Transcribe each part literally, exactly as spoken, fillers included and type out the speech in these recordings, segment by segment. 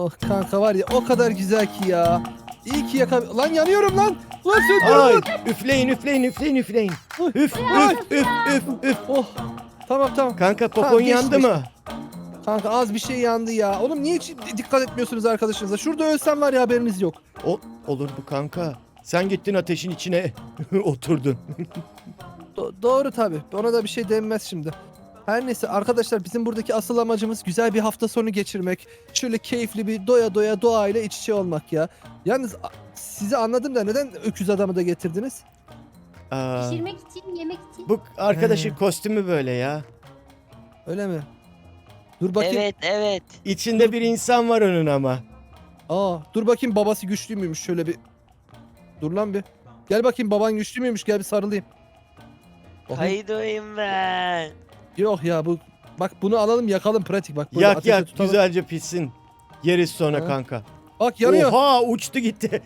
Oh kanka var ya o kadar güzel ki ya. İyi ki yaka... Lan yanıyorum lan. Lan söndürün Ay, lan. üfleyin üfleyin üfleyin üfleyin. Ay, Üf ay. üf üf üf üf. Oh. Tamam tamam. Kanka popon Tamam, geçti, yandı geçti. mı? Kanka az bir şey yandı ya. Oğlum niye hiç dikkat etmiyorsunuz arkadaşınıza? Şurada ölsem var ya haberiniz yok. O, olur bu kanka. Sen gittin ateşin içine oturdun. Do- doğru tabi. Ona da bir şey denmez şimdi. Her neyse arkadaşlar bizim buradaki asıl amacımız güzel bir hafta sonu geçirmek. Şöyle keyifli bir doya doya doğayla iç içe olmak ya. Yalnız a- sizi anladım da neden öküz adamı da getirdiniz? Aa, Pişirmek için, yemek için. bu arkadaşın He. kostümü böyle ya. Öyle mi? Dur bakayım. Evet evet. İçinde bir insan var onun ama. Aa, dur bakayım babası güçlü müymüş şöyle bir. Dur lan bir. Gel bakayım baban güçlü müymüş gel bir sarılayım. Bakayım. Kaydoyum ben. Yok ya bu bak bunu alalım yakalım pratik bak. böyle Yak ateşe yak tutalım. güzelce pişsin. Yeriz sonra Ha. kanka. Bak yanıyor. Oha uçtu gitti.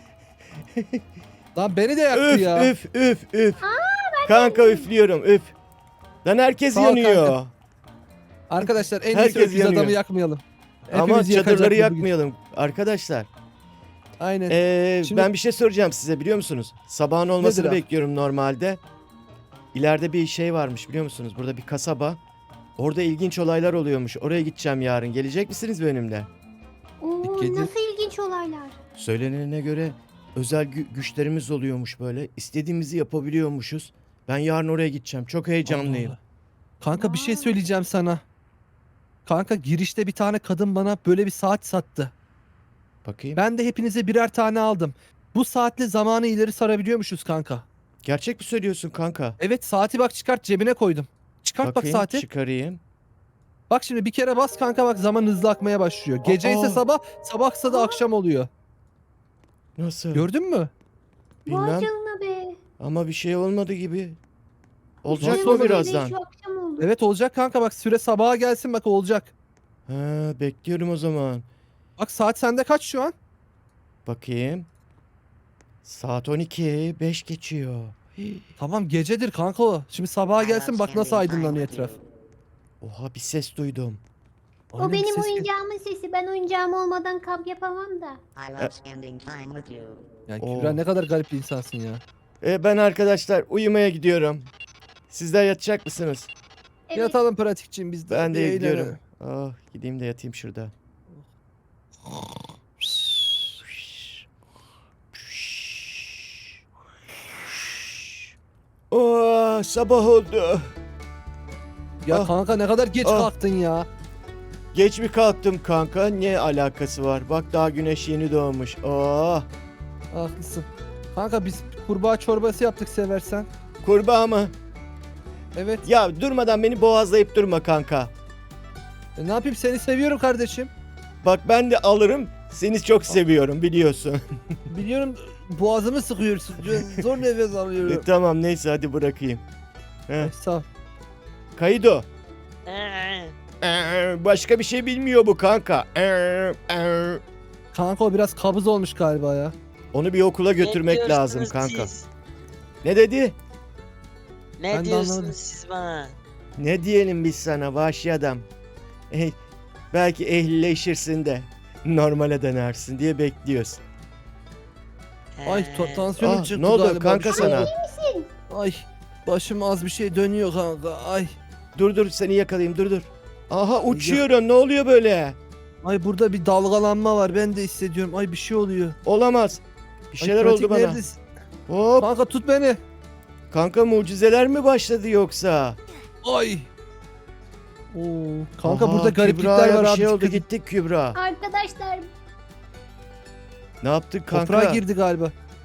Lan beni de yaktı Üf ya. üf üf üf. Kanka üflüyorum üf. Lan herkes Sağ ol yanıyor. kanka. Arkadaşlar en iyisi Herkes öküz yanıyor. adamı yakmayalım. Ama Hepimizi yakacak çadırları bu bugün. yakmayalım arkadaşlar. Aynen. Ee, Şimdi- Ben bir şey soracağım size biliyor musunuz? Sabahın olmasını Nedir abi? bekliyorum normalde. İleride bir şey varmış biliyor musunuz? Burada bir kasaba. Orada ilginç olaylar oluyormuş. Oraya gideceğim yarın. Gelecek misiniz benimle? Oo, Kedi- nasıl ilginç olaylar. Söylenene göre özel gü- güçlerimiz oluyormuş böyle. İstediğimizi yapabiliyormuşuz. Ben yarın oraya gideceğim. Çok heyecanlıyım. Allah Allah. Kanka bir şey Vay. söyleyeceğim sana. Kanka girişte bir tane kadın bana böyle bir saat sattı. Bakayım. Ben de hepinize birer tane aldım. Bu saatle zamanı ileri sarabiliyormuşuz kanka. Gerçek mi söylüyorsun kanka? Evet saati bak çıkart cebine koydum. Çıkart Bakayım, bak saati. çıkarayım. Bak şimdi bir kere bas kanka bak zaman hızlı akmaya başlıyor. Gece ise Aa. sabah, sabahsa da Aa. akşam oluyor. Nasıl? Gördün mü? Bilmem. Vay canına be. Ama bir şey olmadı gibi. Olacak Nasıl mı olmadı? birazdan? Şu akşam oldu. Evet olacak kanka bak süre sabaha gelsin bak olacak. Ha, bekliyorum o zaman. Bak saat sende kaç şu an? Bakayım. Saat on iki. beş geçiyor. Hii. Tamam gecedir kanka o. Şimdi sabaha gelsin bak nasıl aydınlanıyor etraf. Oha bir ses duydum. Aynen, O bir benim ses gel- oyuncağımın sesi. Ben oyuncağım olmadan kamp yapamam da. I love spending time with you. Ya Oo. Kübra ne kadar garip bir insansın ya. E, ben arkadaşlar uyumaya gidiyorum. Sizler yatacak mısınız? Evet. Yatalım pratikçiyim biz de. Ben de Bir gidiyorum. eğlenelim. Oh, gideyim de yatayım şurada. Oh, sabah oldu. Ya Ah. kanka ne kadar geç Ah. kalktın ya. Geç mi kalktım kanka? Ne alakası var? Bak daha güneş yeni doğmuş. Oh, Haklısın. Kanka biz kurbağa çorbası yaptık seversen. kurbağa mı? Evet. Ya durmadan beni boğazlayıp durma kanka. E, ne yapayım seni seviyorum kardeşim. Bak ben de alırım. Seni çok seviyorum biliyorsun. Biliyorum boğazımı sıkıyorsun. Zor nefes E, alıyorum. tamam neyse hadi bırakayım. Heh. Ay, sağ ol. Kaydo. Ee, Ee, Başka bir şey bilmiyor bu kanka. Ee, ee. Kanka o biraz kabız olmuş galiba ya. Onu bir okula ne götürmek lazım diyorsunuz kanka. siz? Ne dedi? Ne Ben de diyorsunuz anlamadım. siz bana? Ne diyelim biz sana vahşi adam? Eh, belki ehlileşirsin de normale dönersin diye bekliyoruz. Ay Ee, to- tansiyonum Ah, çıktı ne oldu galiba. kanka Bir şey sana? oldu. Ay başım az bir şey dönüyor kanka. Ay. Dur dur seni yakalayayım dur dur. Aha uçuyorum ne oluyor böyle? Ay burada bir dalgalanma var ben de hissediyorum. Ay bir şey oluyor. Olamaz. Bir Ay, şeyler pratik oldu bana. neredesin? Hop Kanka tut beni. kanka mucizeler mi başladı yoksa? Ay. Oo, kanka Aha, burada gariplikler Kübra'ya var bir abi. şey oldu dikkat et. gittik Kübra. Arkadaşlar Ne yaptık kanka? Toprağa girdi galiba.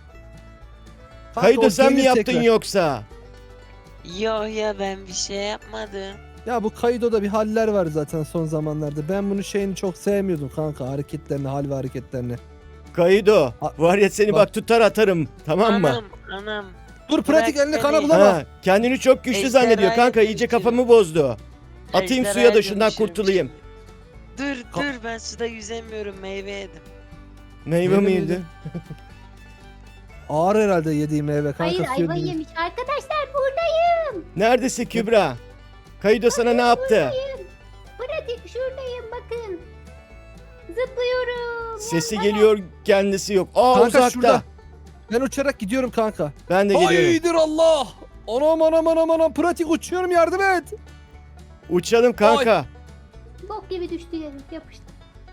Kanka, Kaydo o sen mi gelir yaptın tekrar. yoksa? Yok ya ben bir şey yapmadım. Ya bu Kaido'da bir haller var zaten son zamanlarda. Ben bunun şeyini çok sevmiyordum kanka hareketlerini, hal ve hareketlerini. Kaydo A- var ya seni bak, bak. tutar atarım tamam mı? Anam anam. Dur pratik Bırak elini kana beni. bulama. Ha, kendini çok güçlü Ejderhaya zannediyor kanka iyice dönüşürüm. kafamı bozdu. Atayım suya Ejderhaya da şundan dönüşürüm kurtulayım. Dur Ka- dur ben suda yüzemiyorum meyve yedim. Meyve Meyve miydi? miydi? Ağır herhalde yediğim meyve kanka. hayır suyunu- ayva yemiş. Arkadaşlar buradayım. Neredesin Kübra? Kaydo sana ne yaptı? Buradayım. Pratik şuradayım bakın. Zıplıyorum. Sesi geliyor, kendisi yok. Aa Kanka uzakta. şurada. Ben uçarak gidiyorum kanka. Ben de geliyorum. Haydır Allah. Anam anam anam anam pratik uçuyorum yardım et. Uçalım kanka. Bok gibi düştü yere yapıştı.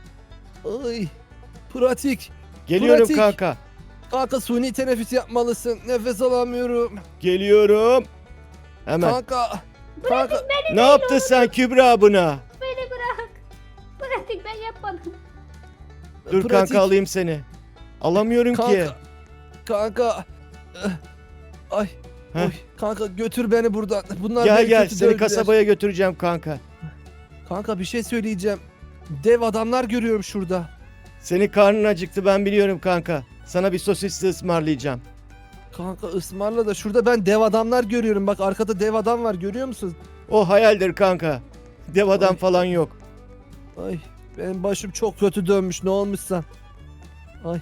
Ay pratik. Geliyorum pratik. kanka. Kanka suni teneffüs yapmalısın. Nefes alamıyorum. Geliyorum. Hemen. Kanka. Kanka. Ne yaptın sen Kübra buna? Beni bırak. Pratik ben yapmadım. Dur pratik. kanka alayım seni. Alamıyorum ki. Kanka. Kanka. Eh, Ay. Heh. Oy. Kanka götür beni buradan. Bunlar Gel beni gel kötü seni dövdüler. kasabaya götüreceğim kanka. Kanka bir şey söyleyeceğim. Dev adamlar görüyorum şurada. Senin karnın acıktı ben biliyorum kanka. Sana bir sosisli ısmarlayacağım. Kanka ısmarla da şurada ben dev adamlar görüyorum. Bak arkada dev adam var görüyor musun? O hayaldir kanka. Dev adam Ay. falan yok. Ay benim başım çok kötü dönmüş ne olmuşsa. Ay.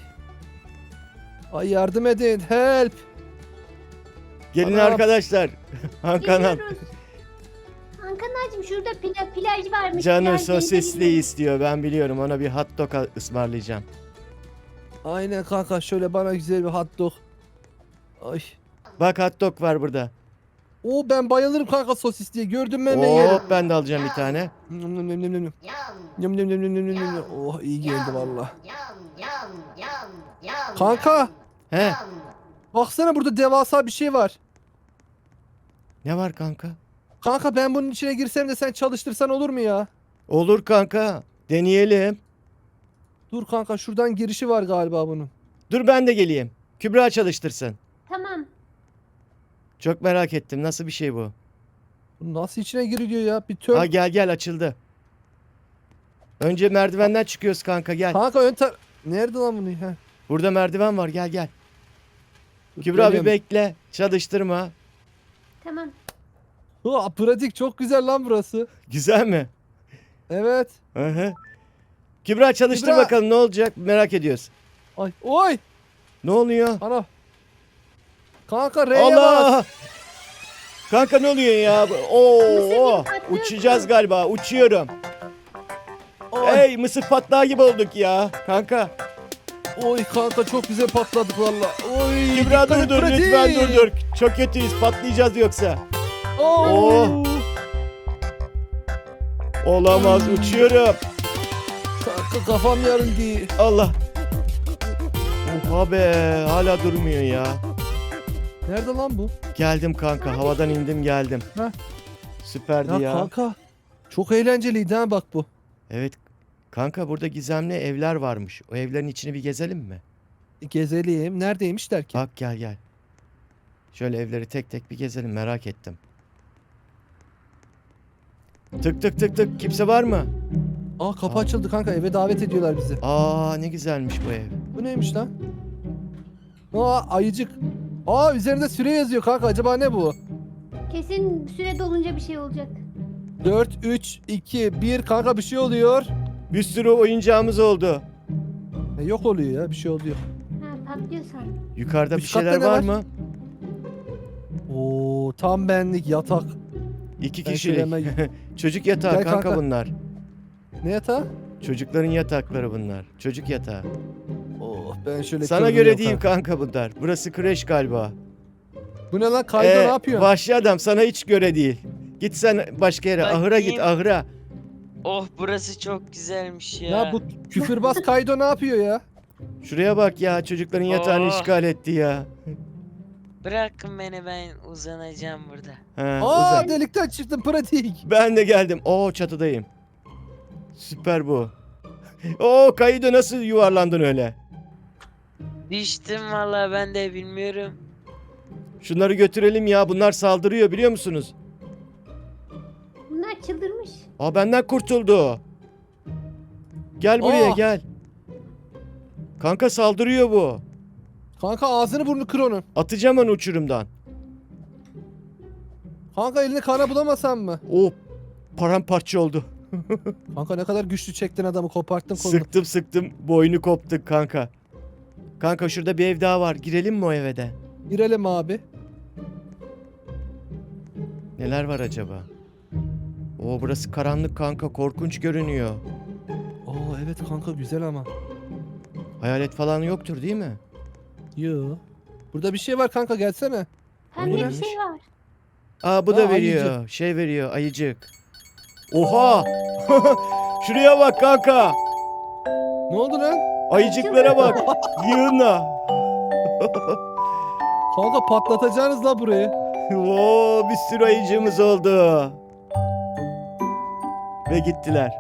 Ay yardım edin help. Gelin Anam. arkadaşlar. Hakan'ım. Geliyoruz. Hakan'cığım şurada pla- plaj varmış. Canı plaj denize sosisli gidelim. istiyor ben biliyorum. Ona bir hot dog ısmarlayacağım. Aynen kanka şöyle bana güzel bir hot dog. Ay. Bak hot dog var burada. Oo ben bayılırım kanka sosis diye. Gördüm mü hemen yerim. Hop ben de alacağım bir tane. Nyam nyam nyam nyam nyam. Yum, Nyam nyam nyam nyam nyam nyam nyam. Oh iyi geldi valla. yum, yum, yum, yum, Kanka He yum. baksana burada devasa bir şey var. ne var kanka? Kanka ben bunun içine girsem de sen çalıştırsan olur mu ya? Olur kanka. Deneyelim. Dur kanka şuradan girişi var galiba bunun. Dur ben de geleyim. Kübra çalıştırsın. Tamam. Çok merak ettim. Nasıl bir şey bu? Bu nasıl içine giriliyor ya? Bir tör. Ha gel gel açıldı. Önce merdivenden çıkıyoruz kanka gel. Kanka ön tar... Nerede lan bunu? Heh. Burada merdiven var gel gel. Dur, Kübra bir geliyorum. bekle. Çalıştırma. Tamam. Ha, pratik çok güzel lan burası. Güzel mi? Evet. Hı hı. Kübra çalıştır Kübra. bakalım ne olacak merak ediyoruz. Ay oy. Ne oluyor? Ana. Kanka R'ye bas. Allah! Kanka ne oluyor ya? Oo, Mısır gibi oo. patlıyorsun. Uçacağız galiba. Uçuyorum. Oy. Hey mısır patlağı gibi olduk ya. Kanka. Oy kanka çok güzel patladık valla. Oy. Kübra dikkat et, dur dur pratik. lütfen dur dur. Çok kötüyüz patlayacağız yoksa. Oo. Oh. Olamaz uçuyorum. Kanka kafam yarıldı. Allah. Oha be hala durmuyor ya. Nerede lan bu? Geldim kanka havadan indim geldim. Heh. Süperdi Ya, ya. kanka. Çok eğlenceliydi ha bak bu. Evet kanka burada gizemli evler varmış. O evlerin içini bir gezelim mi? Gezeliyim. Neredeymişler ki? Bak gel gel. Şöyle evleri tek tek bir gezelim merak ettim. Tık tık tık tık kimse var mı? Aa kapı açıldı kanka eve davet ediyorlar bizi. Aa ne güzelmiş bu ev. Bu neymiş lan? Aa ayıcık. Aa üzerinde süre yazıyor kanka acaba ne bu? Kesin süre dolunca bir şey olacak. dört, üç, iki, bir kanka bir şey oluyor. Bir sürü oyuncağımız oldu. E, yok oluyor ya bir şey oluyor. Ha patlıyorsan. Yukarıda bir Üst katta şeyler ne var var? mı? Oo tam benlik yatak. İki Ben kişilik. şöyle hemen- Çocuk yatağı Gel kanka, kanka. bunlar. Ne yatağı? Çocukların yatakları bunlar. Çocuk yatağı. Oh ben şöyle Sana kıvrılıyorum göre değil kanka. kanka bunlar. Burası kreş galiba. Bu ne lan Kaydo Ee, ne yapıyor? Vahşi adam sana hiç göre değil. Git sen başka yere. Bakayım. Ahıra git ahıra. Oh burası çok güzelmiş ya. Ya bu küfürbaz Kaydo ne yapıyor ya? Şuraya bak ya çocukların yatağını Oh. işgal etti ya. Bırakın beni ben uzanacağım burada. Ha, Aa uzan. delikten çıktım pratik. Ben de geldim. Oo çatıdayım. Süper bu. Oo Kaydo nasıl yuvarlandın öyle? Düştüm valla ben de bilmiyorum. Şunları götürelim ya. Bunlar saldırıyor biliyor musunuz? Bunlar çıldırmış. Aa benden kurtuldu. Gel buraya Aa. gel. Kanka saldırıyor bu. Kanka ağzını burnunu kır onun. Atacağım onu uçurumdan. Kanka elini kana bulamasan mı? O paramparça oldu. Kanka ne kadar güçlü çektin adamı koparttın kolunu. Sıktım sıktım boynu koptu kanka. Kanka şurada bir ev daha var. Girelim mi o eve de? Girelim abi. Neler var acaba? Oo burası karanlık kanka korkunç görünüyor. Oo evet kanka güzel ama. Hayalet falan yoktur değil mi? Yo. Burada bir şey var kanka, gelsene. Pembe bir neymiş? şey var. Aa bu Aa, da veriyor. ayıcık. Şey veriyor ayıcık. Oha! Şuraya bak kanka. Ne oldu lan? Ayıcıklara bak. Yığınla. Kanka patlatacağınız la burayı. Oo, bir sürü ayıcığımız oldu. Ve gittiler.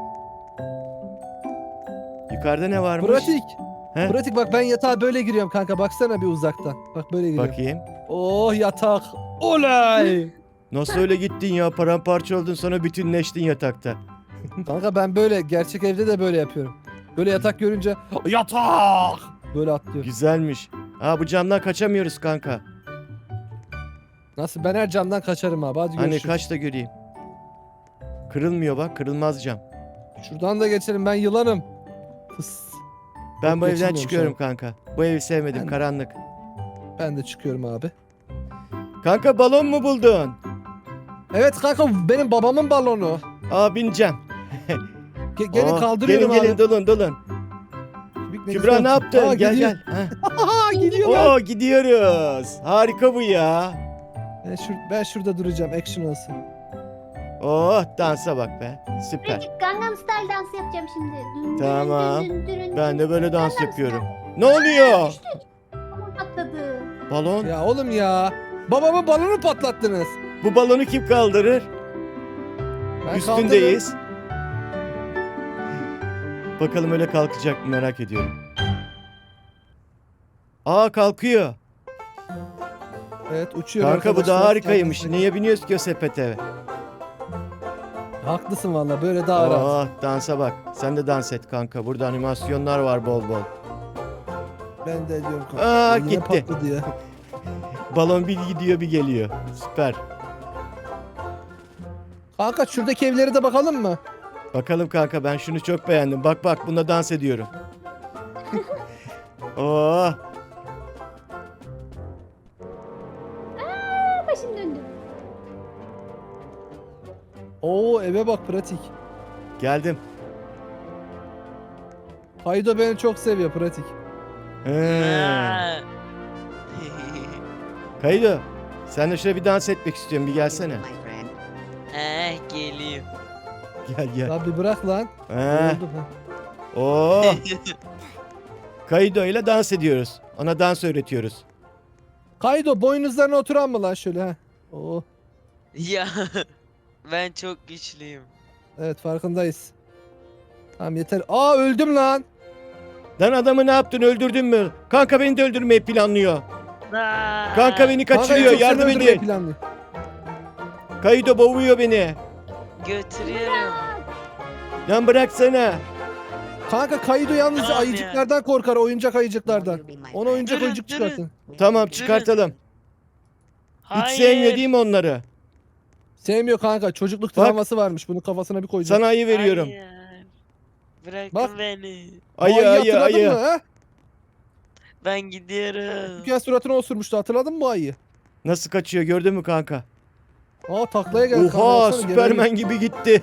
Yukarıda ne varmış? Pratik. He? Pratik bak, ben yatağa böyle giriyorum kanka. Baksana bir uzaktan. Bak böyle giriyorum. Bakayım. Oh yatak. Olay. Nasıl öyle gittin ya? Paramparça oldun, sonra bütünleştin yatakta. Kanka ben böyle gerçek evde de böyle yapıyorum. Böyle yatak görünce yatak böyle atlıyorum. Güzelmiş. Aa bu camdan kaçamıyoruz kanka. Nasıl, ben her camdan kaçarım abi. Hadi Hani görüşürüz. kaç da göreyim. Kırılmıyor bak, kırılmaz cam. Şuradan da geçelim, ben yılanım. Fıs. Ben Yok, bu evden geçilmiyormuş çıkıyorum abi. kanka. Bu evi sevmedim, Ben- karanlık. Ben de çıkıyorum abi. Kanka balon mu buldun? Evet kanka, benim babamın balonu. Aa bineceğim. Ge- gelin Oo, kaldırıyorum gelin, abi. gelin dolun dolun. Kübik ne Kübra güzel. ne yaptın? Aa, gel gidiyor. gel. Heh. Aha gidiyor lan. Oo gidiyoruz. Harika bu ya. Ben, şur- ben şurada duracağım, action olsun. Oh dansa bak be. Süper. Pratik Gangnam Style dansı yapacağım şimdi. Dün, dün, Tamam. dün, dün, dün, Ben dün. de böyle dans Gangnam yapıyorum. Ne oluyor? Ama patladı. Balon. Ya oğlum ya. Babamın balonu patlattınız. Bu balonu kim kaldırır? Ben Üstündeyiz. Bakalım öyle kalkacak mı, merak ediyorum. Aa kalkıyor. kaldırdım. Evet uçuyor Kanka bu da arkadaşlar. harikaymış. Kendisi- Niye biniyoruz ki o sepete? Haklısın valla, böyle daha rahat. Oh dansa bak. Sen de dans et kanka. Burada animasyonlar var bol bol. Ben de ediyorum kanka. Aa, Yine gitti. patladı ya. Balon bir gidiyor bir geliyor. Süper. Kanka şuradaki evlere de bakalım mı? Bakalım kanka, ben şunu çok beğendim. Bak bak bunda dans ediyorum. Oh. Aa, başım döndü. Oo eve bak pratik. Geldim. Haydo beni çok seviyor pratik. He. Aa. Kaydo. Sen de şöyle bir dans etmek istiyorum. Bir gelsene. Eh geliyor. Gel gel. Ya bir bırak lan. He. Yoruldum ha. Oh. Kaydo ile dans ediyoruz. Ona dans öğretiyoruz. Kaydo boynuzlarına oturan mı lan şöyle ha? Oo. Ya ben çok güçlüyüm. Evet farkındayız. Tamam yeter. Aa öldüm lan. Lan adamı ne yaptın, öldürdün mü? Kanka beni de öldürmeyi planlıyor. Aa. Kanka beni Kanka en kaçırıyor, çok seni yardım öldürmeyi edin. planlıyor. Kaydo boğuyor beni. Götürüyorum. Lan bıraksana. Kanka Kaydo yalnızca Tamam ya. ayıcıklardan korkar, oyuncak ayıcıklardan. Ona oyuncak Durun, oyuncak durun. çıkartın. Tamam çıkartalım. Hiç Hayır. sevmiyor değil mi onları? Sevmiyor kanka, çocukluk Bak. travması varmış, bunu kafasına bir koyacak. Sana ayı veriyorum. Hayır. Bırakın Bak. beni. Ayı Bu ayı hatırladın ayı. mı, ha? Ben gidiyorum. Küçükken suratına osurmuştu, hatırladın mı bu ayıyı? Nasıl kaçıyor gördün mü kanka? Aa taklaya geldi. kanka, Oha baksana, Süpermen gibi gitti.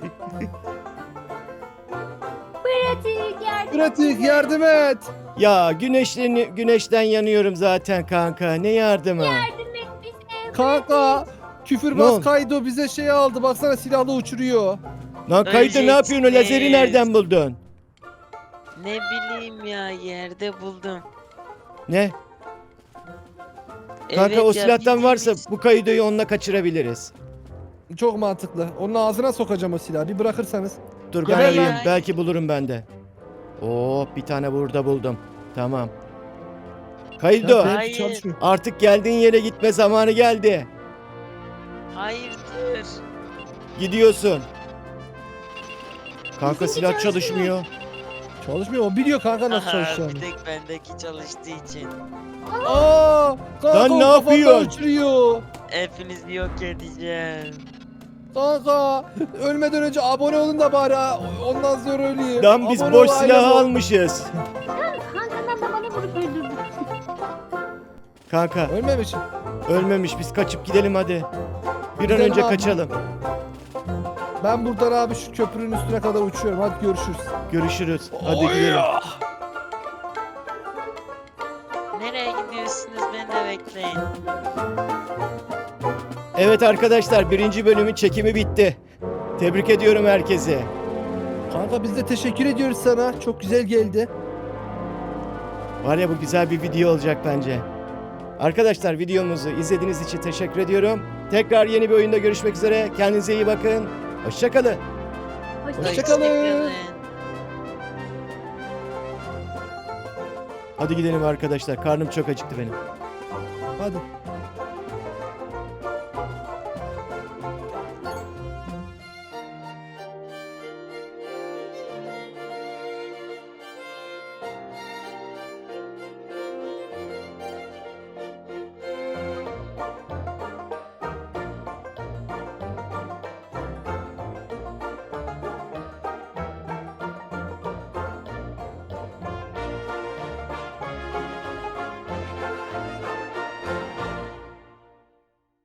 Pratik yardım. Pratik yardım et. Ya güneşten, güneşten yanıyorum zaten kanka. Ne yardımı? Yardım et bize. Kanka Ne küfürbaz oldu? Kaydo bize şey aldı, baksana silahla uçuruyor. Lan Kaydo ne yapıyorsun? O lazeri Öleceksiniz. nereden buldun? Ne bileyim ya, yerde buldum. Ne? Kanka Evet o ya, silahtan varsa bildiğimiz- bu Kaydo'yu onunla kaçırabiliriz. Çok mantıklı. Onun ağzına sokacağım o silahı, bir bırakırsanız. Dur ben Geber lan. arayayım. Belki bulurum ben de. Oo bir tane burada buldum. Tamam. Kaydo Ya, benimki Hayır. çalışmıyor. artık geldiğin yere gitme zamanı geldi. Hayırdır? Gidiyorsun. Kanka Bizimki silah çalışmıyor. çalışmıyor. Çalışmıyor, o biliyor kanka nasıl Aha, çalışacağını. bir tek bendeki çalıştığı için. Aa, kanka Lan o ne kafandan yapıyorsun? uçuruyor. Hepinizi yok edeceğim. Kanka ölmeden önce abone olun da bari ha. Ondan sonra öleyim. Lan biz Abone boş ol, silahı aile ol. almışız. Hankan'dan da bana vurup öldürdü. Kanka Ölmemişim. ölmemiş, biz kaçıp gidelim hadi. Bir an Gidelim önce abi. kaçalım. Ben buradan abi şu köprünün üstüne kadar uçuyorum. Hadi görüşürüz. Görüşürüz. Hadi Oy gidelim. ya. Nereye gidiyorsunuz? Beni de bekleyin. Evet arkadaşlar, birinci bölümün çekimi bitti. Tebrik ediyorum herkese. Kanka biz de teşekkür ediyoruz sana. Çok güzel geldi. Var ya, bu güzel bir video olacak bence. Arkadaşlar, videomuzu izlediğiniz için teşekkür ediyorum. Tekrar yeni bir oyunda görüşmek üzere. Kendinize iyi bakın. Hoşçakalın. Hoşça Hoşçakalın. Hoşçakalın. Hadi gidelim arkadaşlar. Karnım çok acıktı benim. Hadi.